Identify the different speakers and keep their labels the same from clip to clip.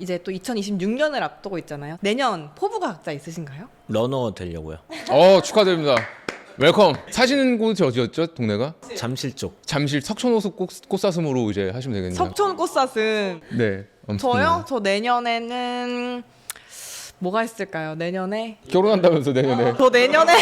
Speaker 1: 이제 또 2026년을 앞두고 있잖아요. 내년 포부가 각자 있으신가요?
Speaker 2: 러너 되려고요.
Speaker 3: 축하드립니다. 웰컴. 사시는 곳이 어디였죠? 동네가?
Speaker 2: 잠실 쪽.
Speaker 3: 잠실 석촌호수 꽃사슴으로 이제 하시면 되겠네요.
Speaker 1: 석촌 꽃사슴.
Speaker 3: 네.
Speaker 1: 저요? 저 내년에는 뭐가 있을까요? 내년에?
Speaker 3: 결혼한다면서 내년에.
Speaker 1: 저 내년에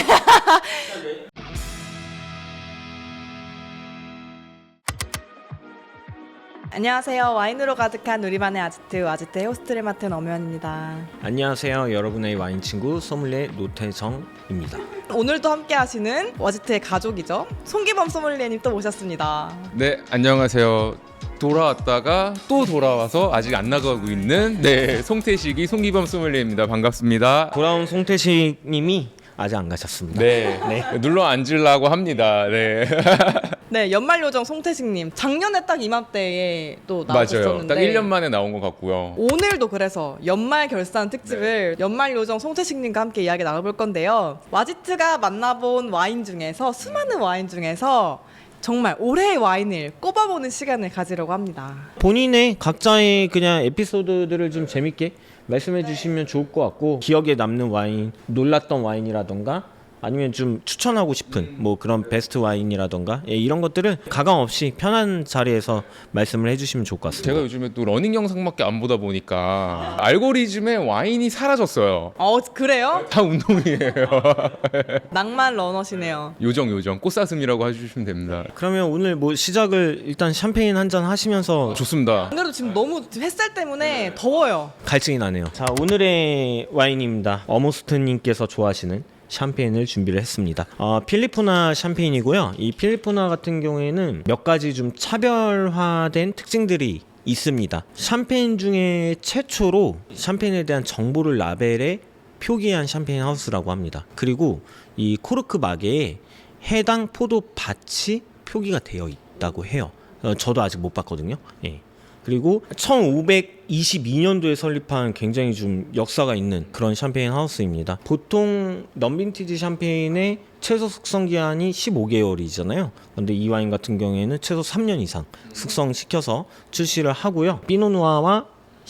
Speaker 1: 안녕하세요. 와인으로 가득한 우리만의 아지트의 호스트를 맡은 엄연입니다.
Speaker 2: 안녕하세요. 여러분의 와인 친구 소믈리에 노태정입니다.
Speaker 1: 오늘도 함께 하시는 와지트의 가족이죠. 송기범 소믈리에님 또 모셨습니다.
Speaker 3: 네, 안녕하세요. 돌아왔다가 또 돌아와서 아직 안 나가고 있는 송태식이 송기범 소믈리에입니다. 반갑습니다.
Speaker 2: 돌아온 송태식 님이 아직 안 가셨습니다.
Speaker 3: 네. 눌러 앉으려고 합니다. 네.
Speaker 1: 네, 연말요정 송태식님. 작년에 딱 이맘때에 또
Speaker 3: 맞아요.
Speaker 1: 나오셨었는데
Speaker 3: 딱 1년 만에 나온 것 같고요.
Speaker 1: 오늘도 그래서 연말 결산 특집을 연말요정 송태식님과 함께 이야기 나눠볼 건데요. 와지트가 만나본 와인 중에서 수많은 와인 중에서 정말 올해의 와인을 꼽아보는 시간을 가지려고 합니다.
Speaker 2: 본인의 각자의 그냥 에피소드들을 좀 재밌게 말씀해 주시면 좋을 것 같고, 기억에 남는 와인, 놀랐던 와인이라던가 아니면 좀 추천하고 싶은 뭐 그런 베스트 와인이라던가 이런 것들을 가감 없이 편한 자리에서 말씀을 해주시면 좋을 것 같습니다.
Speaker 3: 제가 요즘에 또 러닝 영상밖에 안 보다 보니까 알고리즘에 와인이 사라졌어요.
Speaker 1: 그래요?
Speaker 3: 다 운동이에요.
Speaker 1: 낭만 러너시네요.
Speaker 3: 요정 꽃사슴이라고 해주시면 됩니다.
Speaker 2: 그러면 오늘 뭐 시작을 일단 샴페인 한 잔 하시면서
Speaker 3: 좋습니다.
Speaker 1: 오늘도 지금 너무 햇살 때문에 더워요.
Speaker 2: 갈증이 나네요. 자, 오늘의 와인입니다. 어모스트님께서 좋아하시는 샴페인을 준비를 했습니다. 필리포나 샴페인이고요. 이 필리포나 같은 경우에는 몇 가지 좀 차별화된 특징들이 있습니다. 샴페인 중에 최초로 샴페인에 대한 정보를 라벨에 표기한 샴페인 하우스라고 합니다. 그리고 이 코르크 마개에 해당 포도 밭이 표기가 되어 있다고 해요. 저도 아직 못 봤거든요. 예. 그리고 1522년도에 설립한 굉장히 좀 역사가 있는 그런 샴페인 하우스입니다. 보통 넘빈티지 샴페인의 최소 숙성 기한이 15개월이잖아요. 근데 이 와인 같은 경우에는 최소 3년 이상 숙성시켜서 출시를 하고요. 피노누아와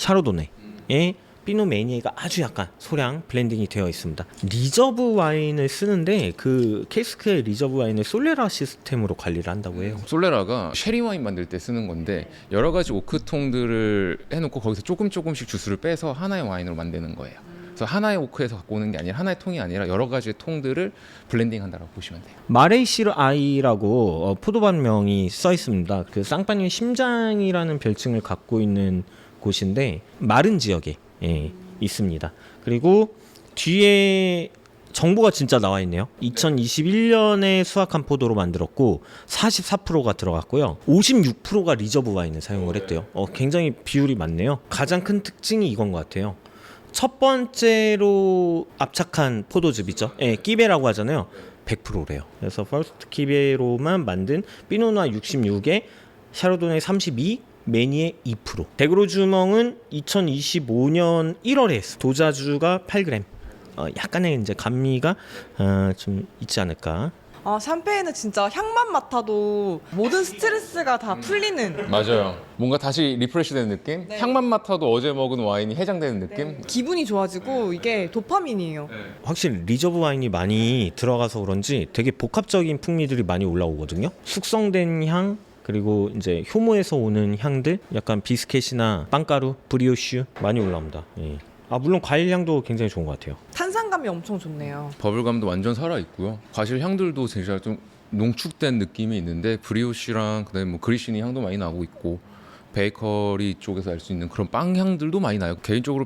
Speaker 2: 샤르도네의 피노 매니에가 아주 약간 소량 블렌딩이 되어 있습니다. 리저브 와인을 쓰는데 그 캐스크의 리저브 와인을 솔레라 시스템으로 관리를 한다고 해요.
Speaker 3: 솔레라가 쉐리 와인 만들 때 쓰는 건데 여러 가지 오크통들을 해놓고 거기서 조금씩 주스를 빼서 하나의 와인으로 만드는 거예요. 그래서 하나의 오크에서 갖고 오는 게 아니라 하나의 통이 아니라 여러 가지의 통들을 블렌딩한다고 보시면 돼요.
Speaker 2: 마레이시르 아이라고 포도밭명이 써 있습니다. 그 쌍파니의 심장이라는 별칭을 갖고 있는 곳인데 마른 지역에 있습니다. 그리고 뒤에 정보가 진짜 나와 있네요. 2021년에 수확한 포도로 만들었고 44%가 들어갔고요. 56%가 리저브 와인을 사용을 했대요. 굉장히 비율이 많네요. 가장 큰 특징이 이건 것 같아요. 첫 번째로 압착한 포도즙이죠. 끼베라고 하잖아요. 100%래요. 그래서 퍼스트 키베로만 만든 피노누아 66에 샤르도네 32, 매니에 2%. 데그로 주멍은 2025년 1월에 했어. 도자주가 8g. 약간의 이제 감미가 좀 있지 않을까.
Speaker 1: 샴페인은 진짜 향만 맡아도 모든 스트레스가 다 풀리는
Speaker 3: 맞아요. 뭔가 다시 리프레시되는 느낌?
Speaker 1: 네.
Speaker 3: 향만 맡아도 어제 먹은 와인이 해장되는 느낌?
Speaker 1: 기분이 좋아지고 이게 도파민이에요.
Speaker 2: 확실히 리저브 와인이 많이 들어가서 그런지 되게 복합적인 풍미들이 많이 올라오거든요. 숙성된 향, 그리고 이제 효모에서 오는 향들, 약간 비스켓이나 빵가루, 브리오슈 많이 올라옵니다. 예. 물론 과일 향도 굉장히 좋은 것 같아요.
Speaker 1: 탄산감이 엄청 좋네요.
Speaker 3: 버블감도 완전 살아있고요. 과실 향들도 진짜 좀 농축된 느낌이 있는데 브리오시랑 그다음에 뭐 그리시니 향도 많이 나고 있고 베이커리 쪽에서 알 수 있는 그런 빵 향들도 많이 나요. 개인적으로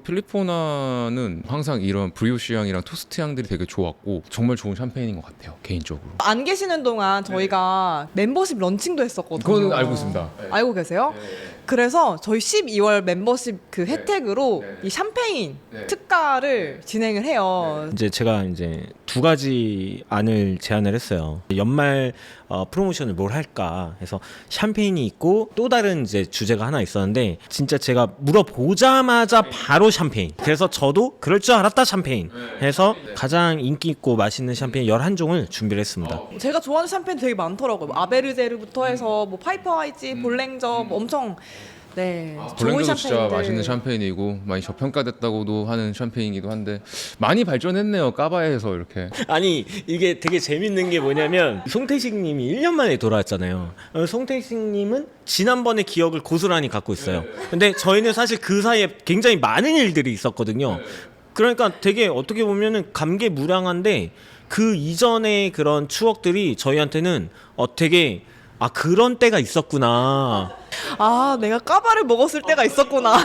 Speaker 3: 필리포나는 항상 이런 브리오시 향이랑 토스트 향들이 되게 좋았고 정말 좋은 샴페인인 것 같아요. 개인적으로.
Speaker 1: 안 계시는 동안 저희가 멤버십 런칭도 했었거든요.
Speaker 3: 그건 알고 있습니다.
Speaker 1: 알고 계세요? 그래서 저희 12월 멤버십 그 혜택으로 이 샴페인 특가를 진행을 해요.
Speaker 2: 이제 제가 이제 두 가지 안을 제안을 했어요. 연말 프로모션을 뭘 할까 해서 샴페인이 있고 또 다른 이제 주제가 하나 있었는데 진짜 제가 물어보자마자 바로 샴페인. 그래서 저도 그럴 줄 알았다 샴페인 해서 가장 인기 있고 맛있는 샴페인 11종을 준비를 했습니다.
Speaker 1: 제가 좋아하는 샴페인 되게 많더라고요. 뭐 아베르제르부터 해서 뭐 파이퍼 하이지, 볼랭저 뭐 엄청 네, 좋은
Speaker 3: 블랭크도 진짜
Speaker 1: 샴페인들.
Speaker 3: 맛있는 샴페인이고 많이 저평가됐다고도 하는 샴페인이기도 한데 많이 발전했네요. 까바에서 이렇게.
Speaker 2: 아니 이게 되게 재밌는 게 뭐냐면 송태식님이 1년 만에 돌아왔잖아요. 송태식님은 지난번의 기억을 고스란히 갖고 있어요. 근데 저희는 사실 그 사이에 굉장히 많은 일들이 있었거든요. 그러니까 되게 어떻게 보면은 감개무량한데 그 이전의 그런 추억들이 저희한테는 되게 그런 때가 있었구나.
Speaker 1: 아, 내가 까바를 먹었을 때가 있었구나.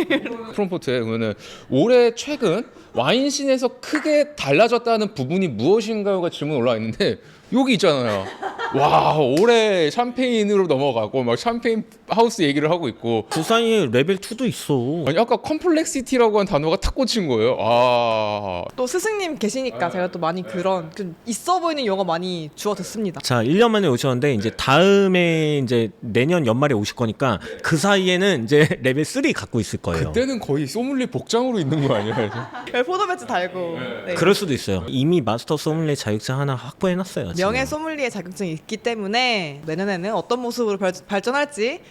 Speaker 3: 프롬포트에 그러면 올해 최근 와인씬에서 크게 달라졌다는 부분이 무엇인가요가 질문 올라와 있는데 여기 있잖아요. 와, 올해 샴페인으로 넘어가고 막 샴페인 하우스 얘기를 하고 있고
Speaker 2: 그 사이에 레벨 2도 있어.
Speaker 3: 아니 아까 컴플렉시티라고 한 단어가 탁 꽂힌 거예요. 아,
Speaker 1: 또 스승님 계시니까 제가 또 많이 그런 있어 보이는 용어 많이 주워 듣습니다.
Speaker 2: 자, 1년 만에 오셨는데 이제 다음에 이제 내년 연말에 오실 거니까 그 사이에는 이제 레벨 3 갖고 있을 거예요.
Speaker 3: 그때는 거의 소믈리에 복장으로 있는 거 아니에요?
Speaker 1: 포도 배지 달고. 네.
Speaker 2: 그럴 수도 있어요. 이미 마스터 소믈리에 자격증 하나 확보해 놨어요.
Speaker 1: 명예 소믈리에 자격증이 있기 때문에 내년에는 어떤 모습으로 발전할지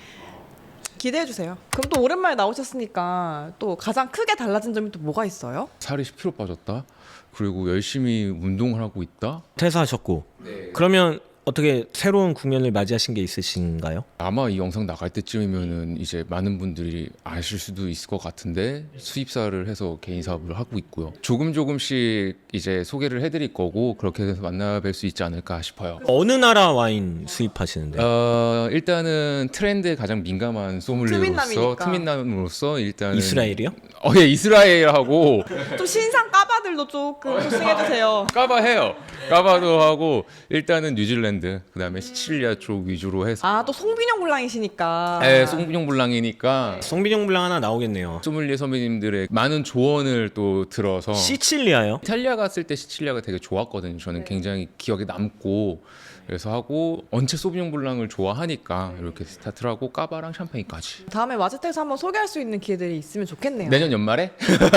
Speaker 1: 기대해 주세요. 그럼 또 오랜만에 나오셨으니까 또 가장 크게 달라진 점이 또 뭐가 있어요?
Speaker 3: 살이 10kg 빠졌다. 그리고 열심히 운동을 하고 있다.
Speaker 2: 퇴사하셨고. 그러면 어떻게 새로운 국면을 맞이하신 게 있으신가요?
Speaker 3: 아마 이 영상 나갈 때쯤이면은 이제 많은 분들이 아실 수도 있을 것 같은데 수입사를 해서 개인 사업을 하고 있고요. 조금씩 이제 소개를 해드릴 거고 그렇게 해서 만나뵐 수 있지 않을까 싶어요.
Speaker 2: 어느 나라 와인 수입하시는데요?
Speaker 3: 일단은 트렌드에 가장 민감한 소믈리에로서 트민남으로서 일단은
Speaker 2: 이스라엘이요?
Speaker 3: 예, 이스라엘하고
Speaker 1: 좀 신상 까바들도 조금 소싱해 주세요.
Speaker 3: 까바 해요. 까바도 하고 일단은 뉴질랜드 그다음에 시칠리아 쪽 위주로 해서
Speaker 1: 또 송비뇽 블랑이시니까.
Speaker 3: 예, 송비뇽 블랑이니까
Speaker 2: 송비뇽 블랑 하나 나오겠네요.
Speaker 3: 소믈리에 선배님들의 많은 조언을 또 들어서
Speaker 2: 시칠리아요?
Speaker 3: 이탈리아 갔을 때 시칠리아가 되게 좋았거든요. 저는 굉장히 기억에 남고 그래서 하고 언체 소비뇽 블랑을 좋아하니까 이렇게 스타트를 하고 까바랑 샴페인까지.
Speaker 1: 다음에 와즈텍에서 한번 소개할 수 있는 기회들이 있으면 좋겠네요.
Speaker 3: 내년 연말에?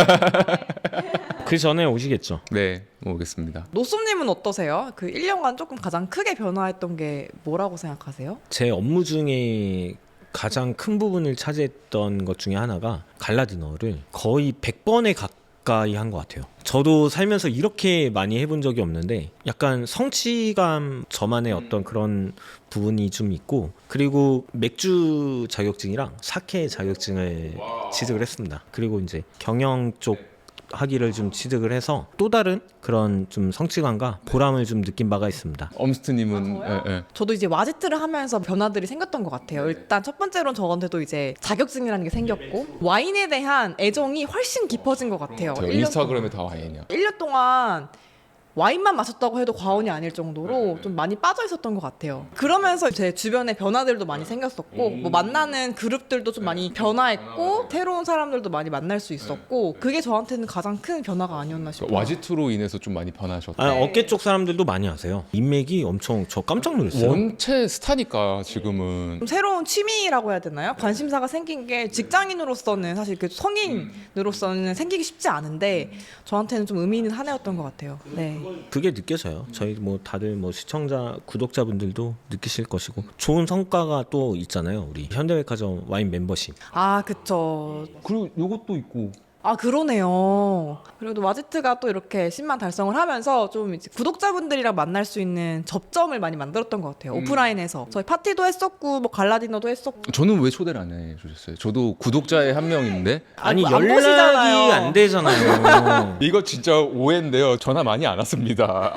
Speaker 2: 그 전에 오시겠죠.
Speaker 3: 네, 오겠습니다.
Speaker 1: 노쏨님은 어떠세요? 그 1년간 조금 가장 크게 변화했던 게 뭐라고 생각하세요?
Speaker 2: 제 업무 중에 가장 큰 부분을 차지했던 것 중에 하나가 갈라디너를 거의 100번에 가까이 한 것 같아요. 저도 살면서 이렇게 많이 해본 적이 없는데 약간 성취감 저만의 어떤 그런 부분이 좀 있고 그리고 맥주 자격증이랑 사케 자격증을 취득을 했습니다. 그리고 이제 경영 쪽 하기를 좀 취득을 해서 또 다른 그런 좀 성취감과 보람을 좀 느낀 바가 있습니다.
Speaker 3: 엄스트님은 예.
Speaker 1: 저도 이제 와지트를 하면서 변화들이 생겼던 것 같아요. 일단 첫 번째로는 저한테도 이제 자격증이라는 게 생겼고 와인에 대한 애정이 훨씬 깊어진 것 같아요.
Speaker 3: 저
Speaker 1: 1년
Speaker 3: 인스타그램에 다 와인이야.
Speaker 1: 1년 동안 와인만 마셨다고 해도 과언이 아닐 정도로 좀 많이 빠져 있었던 것 같아요. 그러면서 제 주변에 변화들도 많이 생겼었고 뭐 만나는 그룹들도 좀 많이 변화했고 새로운 사람들도 많이 만날 수 있었고 그게 저한테는 가장 큰 변화가 아니었나 싶어요.
Speaker 3: 와지투로 인해서 좀 많이 변하셨다.
Speaker 2: 어깨 쪽 사람들도 많이 하세요. 인맥이 엄청 저 깜짝 놀랐어요.
Speaker 3: 원체 스타니까 지금은.
Speaker 1: 좀 새로운 취미라고 해야 되나요? 관심사가 생긴 게 직장인으로서는 사실 그 성인으로서는 생기기 쉽지 않은데 저한테는 좀 의미 있는 한 해였던 것 같아요. 네.
Speaker 2: 그게 느껴져요. 저희 뭐 다들 뭐 시청자 구독자분들도 느끼실 것이고 좋은 성과가 또 있잖아요. 우리 현대백화점 와인 멤버십.
Speaker 1: 그쵸.
Speaker 3: 그리고 요것도 있고.
Speaker 1: 그러네요. 그래도 와지트가 또 이렇게 10만 달성을 하면서 좀 이제 구독자분들이랑 만날 수 있는 접점을 많이 만들었던 것 같아요. 오프라인에서 저희 파티도 했었고 뭐 갈라디너도 했었고.
Speaker 3: 저는 왜 초대를 안 해주셨어요? 저도 구독자의 한 명인데.
Speaker 2: 아니
Speaker 1: 안
Speaker 2: 연락이
Speaker 1: 보시잖아요.
Speaker 2: 안 되잖아요.
Speaker 3: 이거 진짜 오해인데요. 전화 많이 안 왔습니다.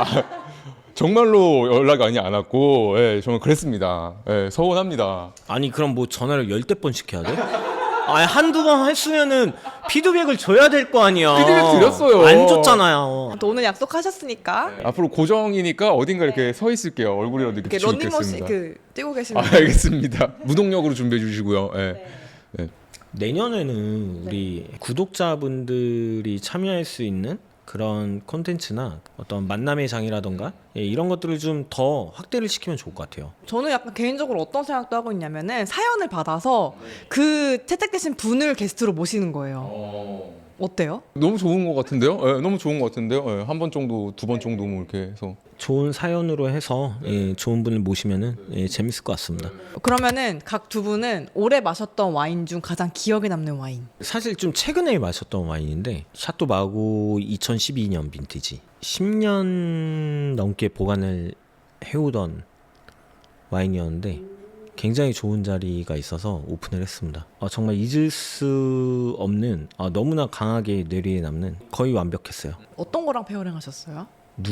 Speaker 3: 정말로 연락 많이 안 왔고, 예, 정말 그랬습니다. 예, 서운합니다.
Speaker 2: 아니 그럼 뭐 전화를 10대번씩 해야 돼? 아니 한두 번 했으면은 피드백을 줘야 될 거 아니야.
Speaker 3: 피드백 드렸어요.
Speaker 2: 안 줬잖아요.
Speaker 1: 또 오늘 약속하셨으니까
Speaker 3: 앞으로 고정이니까 어딘가 이렇게 서 있을게요. 얼굴이라도 이렇게
Speaker 1: 이렇게
Speaker 3: 비추고
Speaker 1: 런닝머신
Speaker 3: 있겠습니다.
Speaker 1: 뛰고 계시면
Speaker 3: 알겠습니다. 무동력으로 준비해 주시고요. 예.
Speaker 2: 내년에는 우리 구독자분들이 참여할 수 있는 그런 콘텐츠나 어떤 만남의 장이라던가 이런 것들을 좀 더 확대를 시키면 좋을 것 같아요.
Speaker 1: 저는 약간 개인적으로 어떤 생각도 하고 있냐면은 사연을 받아서 그 채택되신 분을 게스트로 모시는 거예요. 어때요?
Speaker 3: 너무 좋은 것 같은데요? 예, 너무 좋은 것 같은데요? 예, 한 번 정도, 두 번 정도 뭐 이렇게 해서.
Speaker 2: 좋은 사연으로 해서 좋은 분을 모시면은 재밌을 것 같습니다.
Speaker 1: 그러면은 각 두 분은 올해 마셨던 와인 중 가장 기억에 남는 와인.
Speaker 2: 사실 좀 최근에 마셨던 와인인데 샤또 마고 2012년 빈티지 10년 넘게 보관을 해오던 와인이었는데 굉장히 좋은 자리가 있어서 오픈을 했습니다. 정말 잊을 수 없는 너무나 강하게 뇌리에 남는 거의 완벽했어요.
Speaker 1: 어떤 거랑 페어링 하셨어요?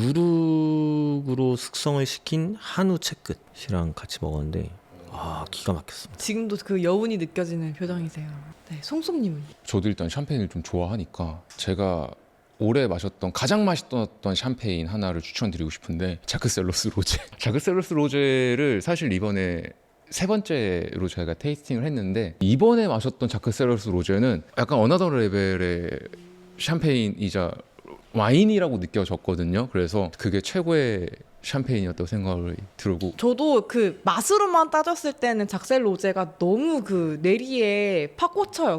Speaker 2: 누룩으로 숙성을 시킨 한우 채끝이랑 같이 먹었는데 기가 막혔습니다.
Speaker 1: 지금도 그 여운이 느껴지는 표정이세요. 네, 송송님은?
Speaker 3: 저도 일단 샴페인을 좀 좋아하니까 제가 올해 마셨던 가장 맛있던 샴페인 하나를 추천드리고 싶은데 자크셀러스 로제. 자크셀러스 로제를 사실 이번에 세 번째로 저희가 테이스팅을 했는데 이번에 마셨던 자크셀러스 로제는 약간 어나더 레벨의 샴페인이자 와인이라고 느껴졌거든요. 그래서 그게 최고의 샴페인이었다고 생각을 들고
Speaker 1: 저도 그 맛으로만 따졌을 때는 작셀 로제가 너무 그 뇌리에 팍 꽂혀요.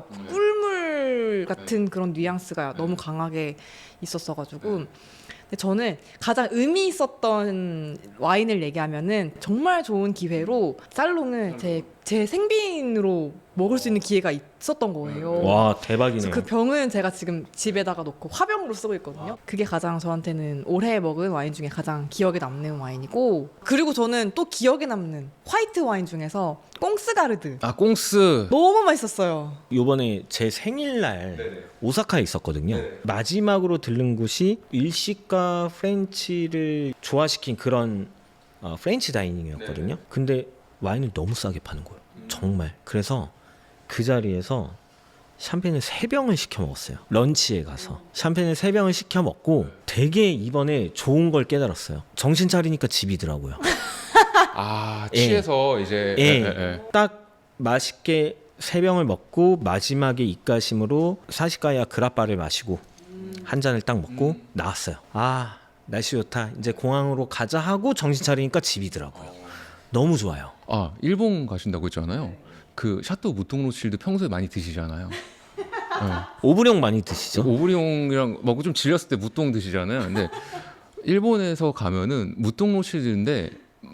Speaker 1: 꿀물 같은 그런 뉘앙스가 너무 강하게 있었어가지고. 근데 저는 가장 의미 있었던 와인을 얘기하면은 정말 좋은 기회로 살롱을 제 생비인으로 먹을 수 있는 기회가 있었던 거예요.
Speaker 2: 와
Speaker 1: 그래서
Speaker 2: 대박이네요.
Speaker 1: 그 병은 제가 지금 집에다가 놓고 화병으로 쓰고 있거든요. 그게 가장 저한테는 올해 먹은 와인 중에 가장 기억에 남는 와인이고, 그리고 저는 또 기억에 남는 화이트 와인 중에서 꽁스가르드
Speaker 3: 꽁스
Speaker 1: 너무 맛있었어요.
Speaker 2: 요번에 제 생일날 오사카에 있었거든요. 마지막으로 들른 곳이 일식과 프렌치를 조화시킨 그런 프렌치 다이닝이었거든요. 근데 와인을 너무 싸게 파는 거예요. 정말. 그래서 그 자리에서 샴페인을 3병을 시켜 먹었어요. 런치에 가서 샴페인을 3병을 시켜 먹고 되게 이번에 좋은 걸 깨달았어요. 정신 차리니까 집이더라고요.
Speaker 3: 취해서 이제
Speaker 2: 딱 맛있게 3병을 먹고 마지막에 입가심으로 사시카야 그라빠를 마시고 한 잔을 딱 먹고 나왔어요. 날씨 좋다. 이제 공항으로 가자 하고 정신 차리니까 집이더라고요. 너무 좋아요.
Speaker 3: 일본 가신다고 했잖아요. 그 샤또 무통 로칠드 평소에 많이 드시잖아요.
Speaker 2: 오브령 많이 드시죠?
Speaker 3: 오브리옹이랑 먹고 좀 질렸을 때 무통 드시잖아요. 근데 일본에서 가면은 무통 로칠드인데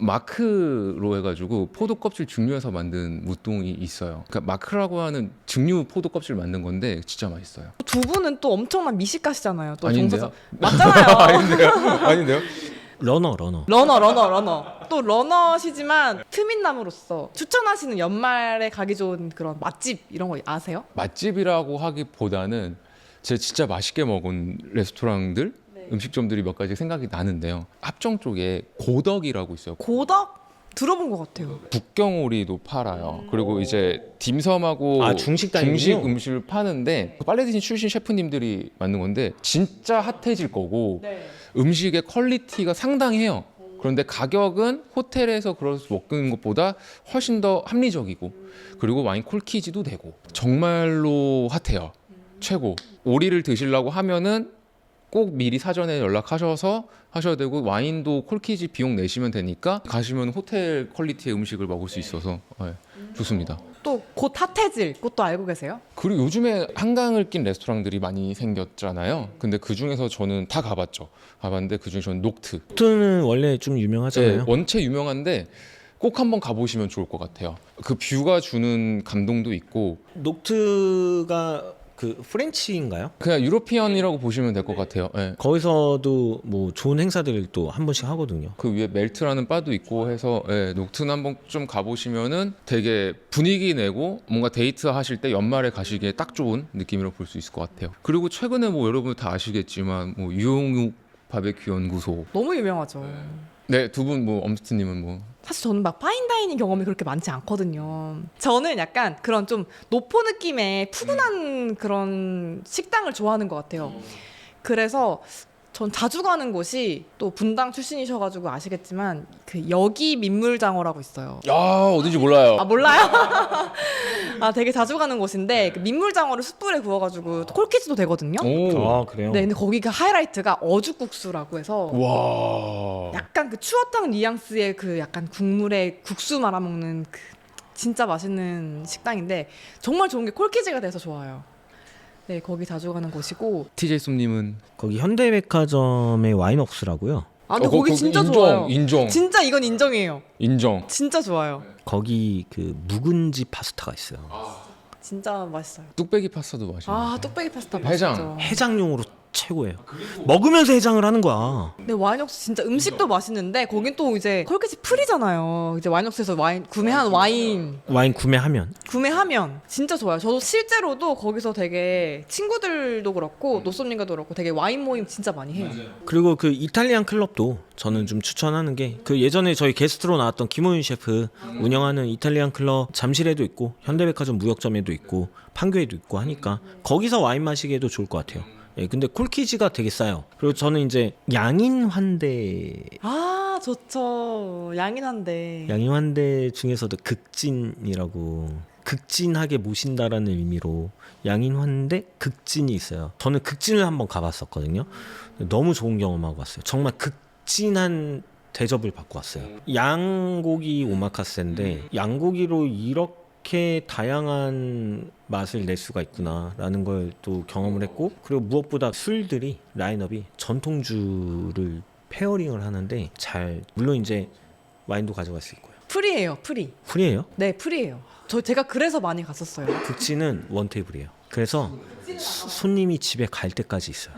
Speaker 3: 마크로 해가지고 포도 껍질 증류해서 만든 무통이 있어요. 그러니까 마크라고 하는 증류 포도 껍질 만든 건데 진짜 맛있어요.
Speaker 1: 두 분은 또 엄청난 미식가시잖아요. 또
Speaker 3: 아닌데요?
Speaker 1: 맞잖아요.
Speaker 3: 아닌데요?
Speaker 2: 러너.
Speaker 1: 러너. 또 러너시지만 트민남으로서 추천하시는 연말에 가기 좋은 그런 맛집 이런 거 아세요?
Speaker 3: 맛집이라고 하기보다는 제가 진짜 맛있게 먹은 레스토랑들 음식점들이 몇 가지 생각이 나는데요. 합정 쪽에 고덕이라고 있어요.
Speaker 1: 고덕? 들어본 것 같아요.
Speaker 3: 북경오리도 팔아요. 그리고 이제 딤섬하고
Speaker 2: 중식
Speaker 3: 음식을 파는데 빨래디신 출신 셰프님들이 만든 건데 진짜 핫해질 거고 음식의 퀄리티가 상당해요. 그런데 가격은 호텔에서 그래서 먹는 것보다 훨씬 더 합리적이고 그리고 와인 콜키지도 되고 정말로 핫해요. 최고. 오리를 드시려고 하면은 꼭 미리 사전에 연락하셔서 하셔야 되고 와인도 콜키지 비용 내시면 되니까 가시면 호텔 퀄리티의 음식을 먹을 수 있어서 좋습니다.
Speaker 1: 또 곧 핫해질 그것도 알고 계세요?
Speaker 3: 그리고 요즘에 한강을 낀 레스토랑들이 많이 생겼잖아요. 근데 그 중에서 저는 다 가봤는데 그 중에 저는 녹트.
Speaker 2: 녹트는 원래 좀 유명하잖아요.
Speaker 3: 원체 유명한데 꼭 한번 가보시면 좋을 것 같아요. 그 뷰가 주는 감동도 있고
Speaker 2: 녹트가 그 프렌치인가요?
Speaker 3: 그냥 유로피언이라고 보시면 될 것 같아요.
Speaker 2: 거기서도 뭐 좋은 행사들을 또 한 번씩 하거든요.
Speaker 3: 그 위에 멜트라는 바도 있고 해서 녹트는 한번 좀 가보시면은 되게 분위기 내고 뭔가 데이트 하실 때 연말에 가시기에 딱 좋은 느낌이라고 볼 수 있을 것 같아요. 그리고 최근에 뭐 여러분 다 아시겠지만 뭐 유용욱 바베큐 연구소
Speaker 1: 너무 유명하죠.
Speaker 3: 두 분 뭐 엄스트님은 뭐
Speaker 1: 사실 저는 막 파인다이닝 경험이 그렇게 많지 않거든요. 저는 약간 그런 좀 노포 느낌의 푸근한 그런 식당을 좋아하는 것 같아요. 그래서 전 자주 가는 곳이 또 분당 출신이셔가지고 아시겠지만 그 여기 민물장어라고 있어요.
Speaker 3: 어딘지 몰라요.
Speaker 1: 몰라요? 되게 자주 가는 곳인데 그 민물장어를 숯불에 구워가지고 콜키지도 되거든요.
Speaker 2: 그래요?
Speaker 1: 네, 근데 거기 그 하이라이트가 어죽국수라고 해서
Speaker 3: 와.
Speaker 1: 약간 그 추어탕 뉘앙스의 그 약간 국물에 국수 말아 먹는 그 진짜 맛있는 식당인데 정말 좋은 게 콜키지가 돼서 좋아요. 네, 거기 자주 가는 곳이고.
Speaker 3: TJ 쏨님은
Speaker 2: 거기 현대백화점의 와인웍스라고요.
Speaker 1: 아, 근데
Speaker 3: 거기
Speaker 1: 거기 진짜
Speaker 3: 인정,
Speaker 1: 좋아요.
Speaker 3: 인정.
Speaker 1: 진짜 이건 인정이에요.
Speaker 3: 인정.
Speaker 1: 진짜 좋아요.
Speaker 2: 거기 그 묵은지 파스타가 있어요.
Speaker 1: 진짜 맛있어요.
Speaker 3: 뚝배기 파스타도 맛있네.
Speaker 1: 아, 뚝배기 파스타
Speaker 3: 해장.
Speaker 1: 맛있죠.
Speaker 2: 해장용으로 최고예요. 먹으면서 해장을 하는 거야.
Speaker 1: 근데 와인역수 진짜 음식도 맛있는데 거긴 또 이제 콜캐치 풀이잖아요. 이제 와인역수에서 와인 구매한 와인
Speaker 2: 와인 구매하면
Speaker 1: 구매하면 진짜 좋아요. 저도 실제로도 거기서 되게 친구들도 그렇고 노쏘님과도 그렇고 되게 와인 모임 진짜 많이 해요.
Speaker 2: 그리고 그 이탈리안 클럽도 저는 좀 추천하는 게 그 예전에 저희 게스트로 나왔던 김호윤 셰프 운영하는 이탈리안 클럽 잠실에도 있고 현대백화점 무역점에도 있고 판교에도 있고 하니까 거기서 와인 마시기에도 좋을 것 같아요. 예, 근데 콜키지가 되게 싸요. 그리고 저는 이제 양인환대
Speaker 1: 아, 좋죠. 양인한데.
Speaker 2: 양인환대 중에서도 극진이라고 극진하게 모신다라는 의미로 양인환대 극진이 있어요. 저는 극진을 한번 가봤었거든요. 너무 좋은 경험하고 왔어요. 정말 극진한 대접을 받고 왔어요. 양고기 오마카세인데 양고기로 이렇게 다양한 맛을 낼 수가 있구나라는 걸 또 경험을 했고, 그리고 무엇보다 술들이 라인업이 전통주를 페어링을 하는데 잘, 물론 이제 와인도 가져갈 수 있고요.
Speaker 1: 풀이에요, 풀이.
Speaker 2: 프리예요?
Speaker 1: 네, 풀이에요. 제가 그래서 많이 갔었어요.
Speaker 2: 극진은 원테이블이에요. 그래서 손님이 집에 갈 때까지 있어요.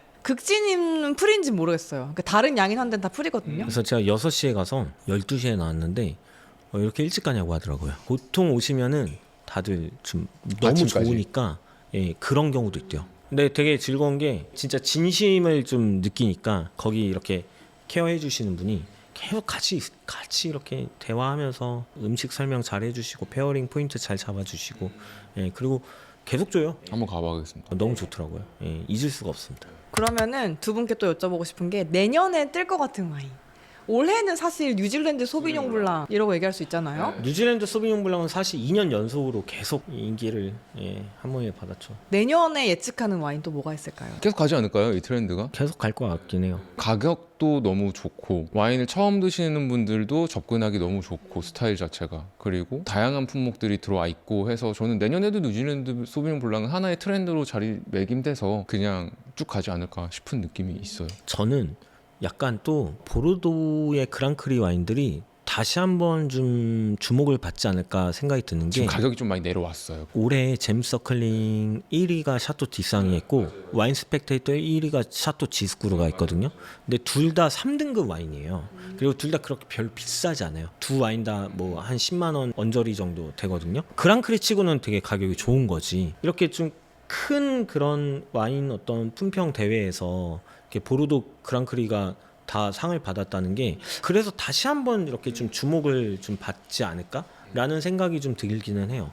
Speaker 1: 극진님은 풀인지 모르겠어요. 그러니까 다른 양인한데는 다 풀이거든요.
Speaker 2: 그래서 제가 6시에 가서 12시에 나왔는데 이렇게 일찍 가냐고 하더라고요. 보통 오시면은 다들 좀 너무
Speaker 3: 아침까지.
Speaker 2: 좋으니까 예, 그런 경우도 있대요. 근데 되게 즐거운 게 진짜 진심을 좀 느끼니까 거기 이렇게 케어해 주시는 분이 계속 같이 이렇게 대화하면서 음식 설명 잘 해주시고 페어링 포인트 잘 잡아주시고, 예, 그리고 계속 줘요.
Speaker 3: 한번 가봐야겠습니다.
Speaker 2: 너무 좋더라고요. 예, 잊을 수가 없습니다.
Speaker 1: 그러면은 두 분께 또 여쭤보고 싶은 게 내년에 뜰 것 같은 와인. 올해는 사실 뉴질랜드 소비뇽 블랑 이라고 얘기할 수 있잖아요.
Speaker 2: 뉴질랜드 소비뇽 블랑은 사실 2년 연속으로 계속 인기를 한 번에 받았죠.
Speaker 1: 내년에 예측하는 와인 또 뭐가 있을까요?
Speaker 3: 계속 가지 않을까요? 이 트렌드가?
Speaker 2: 계속 갈 것 같긴 해요.
Speaker 3: 가격도 너무 좋고 와인을 처음 드시는 분들도 접근하기 너무 좋고 스타일 자체가, 그리고 다양한 품목들이 들어와 있고 해서 저는 내년에도 뉴질랜드 소비뇽 블랑은 하나의 트렌드로 자리매김돼서 그냥 쭉 가지 않을까 싶은 느낌이 있어요.
Speaker 2: 저는 약간 또 보르도의 그랑크리 와인들이 다시 한번 좀 주목을 받지 않을까 생각이 드는 게,
Speaker 3: 지금 가격이 좀 많이 내려왔어요.
Speaker 2: 올해 잼서클링 1위가 샤또 디상이 했고 와인 스펙테이터 1위가 샤또 지스쿠르가 있거든요. 근데 둘 다 3등급 와인이에요. 그리고 둘 다 그렇게 별 비싸지 않아요. 두 와인 다 뭐 한 10만 원 언저리 정도 되거든요. 그랑크리 치고는 되게 가격이 좋은 거지. 이렇게 좀 큰 그런 와인 어떤 품평 대회에서 이렇게 보르도 그랑크리가 다 상을 받았다는 게, 그래서 다시 한번 이렇게 좀 주목을 좀 받지 않을까라는 생각이 좀 들기는 해요.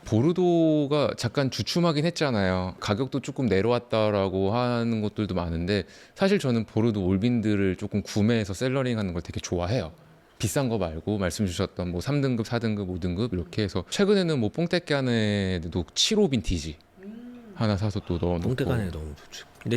Speaker 3: 보르도가 잠깐 주춤하긴 했잖아요. 가격도 조금 내려왔다라고 하는 것들도 많은데 사실 저는 보르도 올빈들을 조금 구매해서 셀러링하는 걸 되게 좋아해요. 비싼 거 말고 말씀 주셨던 뭐 3등급, 4등급, 5등급 이렇게 해서, 최근에는 뭐 뽕떼깐에도 7호 빈티지 하나 사서 또 넣어놓고.
Speaker 2: 뽕떼간에 너무 좋죠. 근데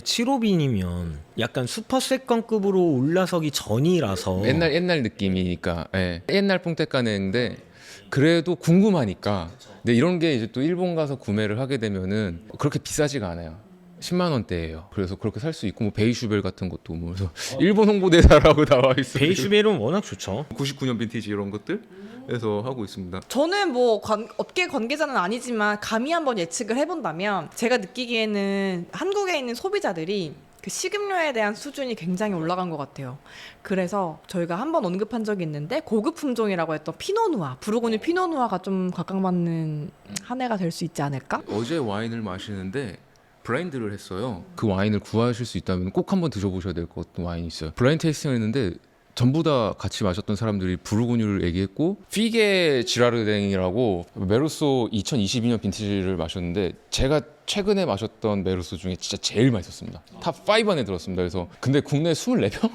Speaker 2: 7호빈이면 약간 슈퍼 세컨급으로 올라서기 전이라서
Speaker 3: 옛날 느낌이니까, 예. 옛날 뽕떼깐인데 그래도 궁금하니까. 근데 이런 게 이제 또 일본 가서 구매를 하게 되면은 그렇게 비싸지가 않아요. 10만 원대예요. 그래서 그렇게 살 수 있고, 뭐 베이슈벨 같은 것도 뭐 그래서 일본 홍보대사라고 나와 있어요.
Speaker 2: 베이슈벨은 워낙 좋죠.
Speaker 3: 99년 빈티지 이런 것들 해서 하고 있습니다.
Speaker 1: 저는 뭐 업계 관계자는 아니지만 감히 한번 예측을 해본다면 제가 느끼기에는 한국에 있는 소비자들이 그 식음료에 대한 수준이 굉장히 올라간 것 같아요. 그래서 저희가 한번 언급한 적이 있는데 고급 품종이라고 했던 피노누아, 부르고뉴 피노누아가 좀 각광받는 한 해가 될 수 있지 않을까?
Speaker 3: 어제 와인을 마시는데 블라인드를 했어요. 그 와인을 구하실 수 있다면 꼭 한번 드셔보셔야 될 것 같은 와인이 있어요. 블라인드 테이스팅을 했는데 전부 다 같이 마셨던 사람들이 부르고뉴를 얘기했고, 피게 지라르댕이라고 메로소 2022년 빈티지를 마셨는데 제가 최근에 마셨던 메로소 중에 진짜 제일 맛있었습니다. 탑 5 안에 들었습니다. 그래서 근데 국내 24병?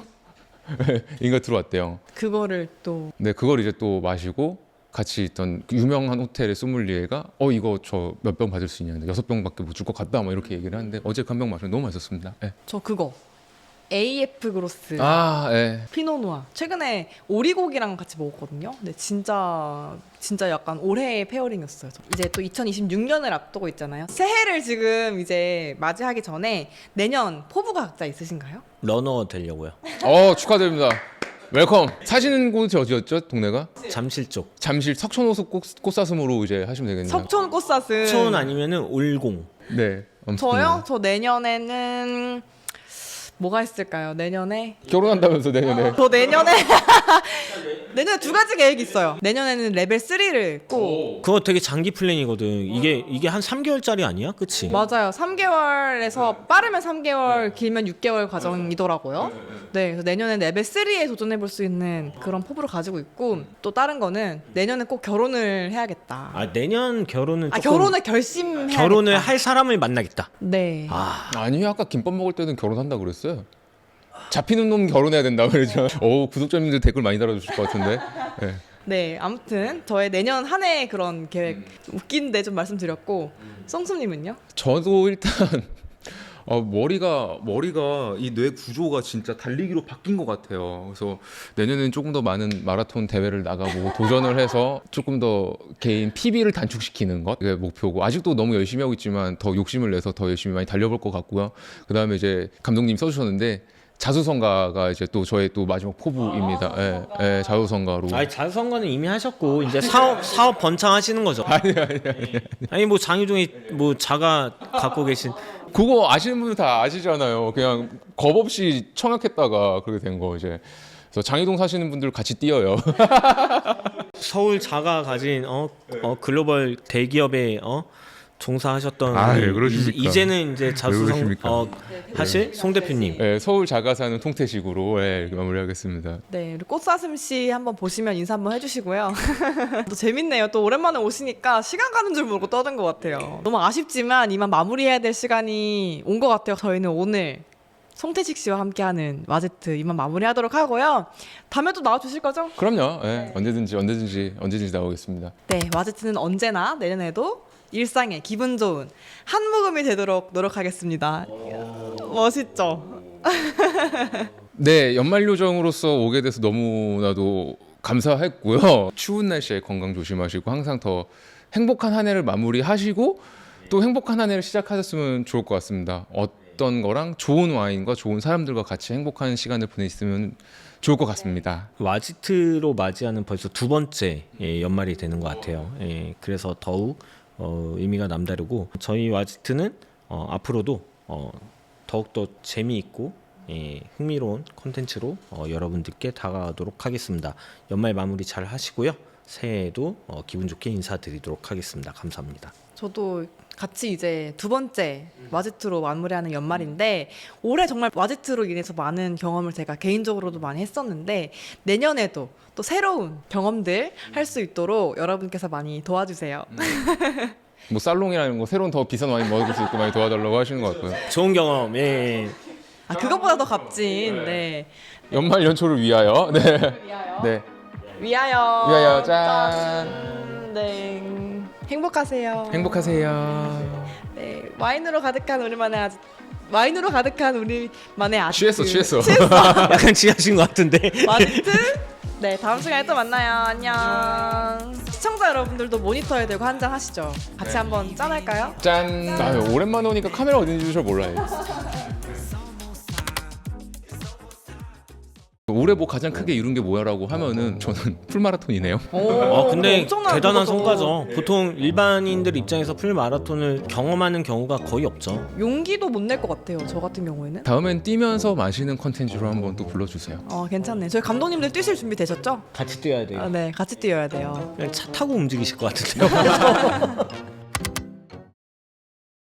Speaker 3: 인가 들어왔대요.
Speaker 1: 그거를 또
Speaker 3: 네, 그걸 이제 또 마시고 같이 있던 유명한 호텔의 소믈리에가 이거 저 몇 병 받을 수 있냐는데 6병밖에 못 줄 것 같다 막 이렇게 얘기를 하는데 어제 그 한 병 마셨는데 너무 맛있었습니다. 네.
Speaker 1: 저 그거 AF 그로스
Speaker 3: 아, 예.
Speaker 1: 피노누아 최근에 오리고기랑 같이 먹었거든요. 근데 진짜 약간 올해의 페어링이었어요. 이제 또 2026년을 앞두고 있잖아요. 새해를 지금 이제 맞이하기 전에 내년 포부가 각자 있으신가요?
Speaker 2: 러너 되려고요.
Speaker 3: 축하드립니다. 웰컴. 사시는 곳이 어디였죠? 동네가?
Speaker 2: 잠실 쪽.
Speaker 3: 잠실 석촌호수 꽃사슴으로 이제 하시면 되겠네요.
Speaker 1: 석촌 꽃사슴.
Speaker 2: 천 아니면은 올공.
Speaker 3: 네.
Speaker 1: 저요? 저 내년에는 뭐가 있을까요? 내년에
Speaker 3: 결혼한다면서 내년에.
Speaker 1: 저 내년에 두 가지 계획이 있어요. 내년에는 레벨 3를 꼭
Speaker 2: 그거 되게 장기 플랜이거든. 이게 한 3개월짜리 아니야? 그치?
Speaker 1: 맞아요. 3개월에서 빠르면 3개월, 길면 6개월 과정이더라고요. 네, 그래서 내년에 레벨 3에 도전해 볼 수 있는 그런 포부를 가지고 있고 또 다른 거는 내년에 꼭 결혼을 해야겠다.
Speaker 2: 아, 내년 결혼은 조금
Speaker 1: 결혼을 결심해야겠다.
Speaker 2: 결혼을 할 사람을 만나겠다.
Speaker 1: 네.
Speaker 3: 아니요, 아까 김밥 먹을 때는 결혼한다 그랬어요. 잡히는 놈 결혼해야 된다 그러죠. 구독자님들 댓글 많이 달아주실 것 같은데. 네.
Speaker 1: 네, 아무튼 저의 내년 한 해 그런 계획 좀 웃긴데 좀 말씀드렸고 썽수님은요?
Speaker 3: 저도 일단 머리가 이 뇌 구조가 진짜 달리기로 바뀐 것 같아요. 그래서 내년에는 조금 더 많은 마라톤 대회를 나가고 도전을 해서 조금 더 개인 PB를 단축시키는 것 그게 목표고 아직도 너무 열심히 하고 있지만 더 욕심을 내서 더 열심히 많이 달려볼 것 같고요. 그 다음에 이제 감독님 써주셨는데 자수성가가 이제 또 저의 또 마지막 포부입니다. 예, 자수성가로.
Speaker 2: 아니, 자수성가는 이미 하셨고 이제 사업 번창하시는 거죠. 아니 뭐 장유종이 뭐 자가 갖고 계신
Speaker 3: 그거 아시는 분들 다 아시잖아요. 그냥 겁 없이 청약했다가 그렇게 된 거 이제. 그래서 장희동 사시는 분들 같이 뛰어요.
Speaker 2: 서울 자가 가진 글로벌 대기업에 종사하셨던
Speaker 3: 왜 그러십니까?
Speaker 2: 이제는 이제 자수성
Speaker 3: 그러십니까?
Speaker 2: 하실 송 대표님.
Speaker 3: 예, 서울 자가 사는 통태식으로 이렇게 마무리하겠습니다.
Speaker 1: 네, 우리 꽃사슴 씨 한번 보시면 인사 한번 해주시고요. 또 재밌네요. 또 오랜만에 오시니까 시간 가는 줄 모르고 떠든 것 같아요. 너무 아쉽지만 이만 마무리해야 될 시간이 온 것 같아요. 저희는 오늘 송태식 씨와 함께하는 와제트 이만 마무리하도록 하고요. 다음에 또 나와주실 거죠?
Speaker 3: 그럼요. 예, 언제든지 나오겠습니다.
Speaker 1: 네, 와제트는 언제나 내년에도 일상에 기분 좋은 한 모금이 되도록 노력하겠습니다. 멋있죠?
Speaker 3: 네, 연말 요정으로서 오게 돼서 너무나도 감사했고요. 추운 날씨에 건강 조심하시고 항상 더 행복한 한 해를 마무리하시고 또 행복한 한 해를 시작하셨으면 좋을 것 같습니다. 어떤 거랑 좋은 와인과 좋은 사람들과 같이 행복한 시간을 보내셨으면 좋을 것 같습니다.
Speaker 2: 와지트로 맞이하는 벌써 두 번째 연말이 되는 것 같아요. 그래서 더욱 의미가 남다르고 저희 와지트는 앞으로도 더욱더 재미있고 흥미로운 콘텐츠로 여러분들께 다가가도록 하겠습니다. 연말 마무리 잘 하시고요. 새해에도 기분 좋게 인사드리도록 하겠습니다. 감사합니다.
Speaker 1: 저도 같이 이제 두 번째 와지트로 마무리하는 연말인데 올해 정말 와지트로 인해서 많은 경험을 제가 개인적으로도 많이 했었는데 내년에도 또 새로운 경험들 할 수 있도록 여러분께서 많이 도와주세요.
Speaker 3: 뭐 살롱이라는 거 새로운 더 비싼 와인 먹을 수 있고 많이 도와달라고 하시는 것 같고요.
Speaker 2: 좋은 경험.
Speaker 1: 아, 그것보다 더 값진 네.
Speaker 3: 연말 연초를 위하여. 네. 네.
Speaker 1: 위하여
Speaker 3: 짠.
Speaker 1: 네. 행복하세요.
Speaker 3: 행복하세요.
Speaker 1: 네. 와인으로 가득한 우리만의 아지트.
Speaker 3: 취했어.
Speaker 2: 약간 취하신 것 같은데.
Speaker 1: 와지트. 네, 다음 시간에 또 만나요. 안녕. 시청자 여러분들도 모니터에 대고 한잔 하시죠. 같이 한번 짠할까요?
Speaker 3: 짠. 오랜만에 오니까 카메라 어딘지 잘 몰라요. 올해 뭐 가장 크게 이룬 게 뭐야라고 하면은 저는 풀마라톤이네요.
Speaker 2: 근데
Speaker 1: 엄청난
Speaker 2: 대단한
Speaker 1: 거죠.
Speaker 2: 성과죠. 보통 일반인들 입장에서 풀 마라톤을 경험하는 경우가 거의 없죠.
Speaker 1: 용기도 못 낼 것 같아요. 저 같은 경우에는.
Speaker 3: 다음엔 뛰면서 마시는 컨텐츠로 한번 또 불러주세요.
Speaker 1: 괜찮네. 저희 감독님들 뛰실 준비 되셨죠?
Speaker 2: 같이 뛰어야 돼요.
Speaker 1: 네, 같이 뛰어야 돼요.
Speaker 2: 그냥 차 타고 움직이실 것 같은데요.